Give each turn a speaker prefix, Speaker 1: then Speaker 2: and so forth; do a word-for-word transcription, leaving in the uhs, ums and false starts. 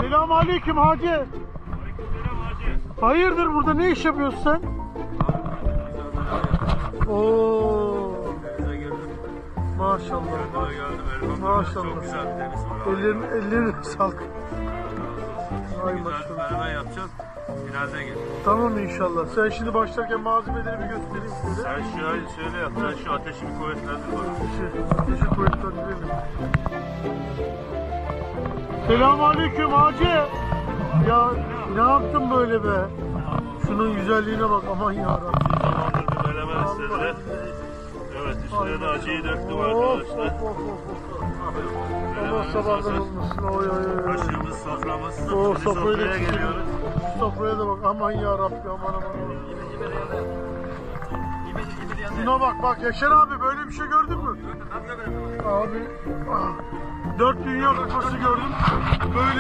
Speaker 1: Selamünaleyküm hacı.
Speaker 2: Aleykümselam hacı.
Speaker 1: Hayırdır burada ne iş yapıyorsun sen? Oo.
Speaker 2: Denize girdim.
Speaker 1: Maşallah.
Speaker 2: Kendime geldim. Elbette
Speaker 1: Maşallah.
Speaker 2: çok güzel bir deniz var.
Speaker 1: Ellerin, ellerine sağlık. Ay
Speaker 2: Güzel bir
Speaker 1: maşallah.
Speaker 2: menemen yapacağız. Finalde gel.
Speaker 1: Tamam inşallah. Sen şimdi başlarken malzemeleri bir göstereyim size.
Speaker 2: Sen şöyle şöyle yap. Sen şu ateşi bir kuvvetlendir bana.
Speaker 1: Ateşi, ateşi kuvvetlendirelim. Selamünaleyküm hacı. Ya ne yaptın böyle be? Şunun güzelliğine bak aman yarabbim.
Speaker 2: Zamandır bir menemen istediler. Evet üstüne de acıyı döktüm arkadaşlar.
Speaker 1: Of, of, of, of. Allah
Speaker 2: Menemenimiz
Speaker 1: sabahlar
Speaker 2: hazır.
Speaker 1: olmasın. Oy oy oy.
Speaker 2: Kaşığımız, soframız.
Speaker 1: O
Speaker 2: Şimdi
Speaker 1: sofrayı da
Speaker 2: sofraya
Speaker 1: çekelim.
Speaker 2: geliyoruz.
Speaker 1: Şu sofraya da bak aman yarabbim aman aman. Şuna bak bak Yaşar abi böyle bir şey gördün mü? Abi ah, dört dünya kupası gördüm. Böyle